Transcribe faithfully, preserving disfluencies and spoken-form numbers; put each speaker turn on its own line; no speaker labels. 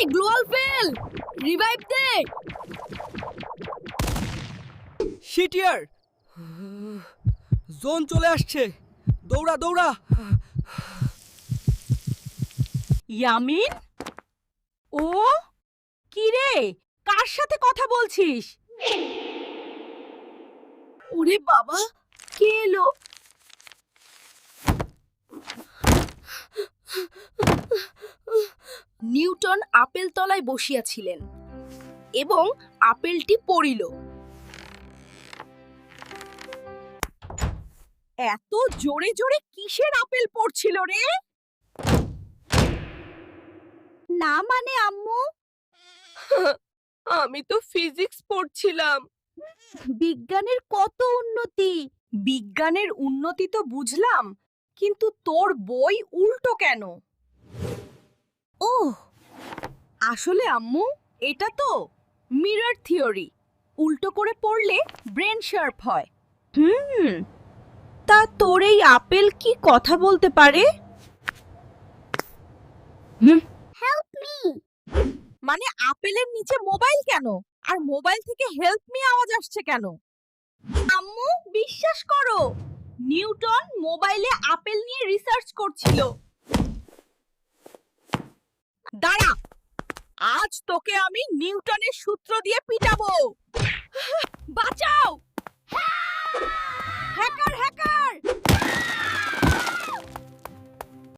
এই গ্লোয়াল ফেল রিভাইভ দে
শিটিয়ার জোন চলে আসছে দৌড়া দৌড়া
ইয়ামিন ও কি রে কার সাথে কথা বলছিস ওরে বাবা কে এলো নিউটন আপেল তলায় বসিয়াছিলেন এবং আপেলটি পড়িল এত জোরে জোরে কিসের আপেল পড়ছিল রে না মানে আম্মু আমি তো ফিজিক্স পড়ছিলাম বিজ্ঞানের কত উন্নতি বিজ্ঞানের উন্নতি তো বুঝলাম কিন্তু তোর বই উল্টো কেন ওহ আসলে আম্মু এটা তো মিরর থিওরি উল্টো করে পড়লে ব্রেন শার্প হয় হুম তা তোর এই আপেল কি কথা বলতে পারে হেল্প মি মানে আপেলের নিচে মোবাইল কেন আর মোবাইল থেকে হেল্প মি আওয়াজ আসছে কেন আম্মু বিশ্বাস করো নিউটন মোবাইলে আপেল নিয়ে রিসার্চ করছিল দাঁড়া আজ তোকে আমি নিউটনের সূত্র দিয়ে পিটাবো বাঁচাও হ্যাকার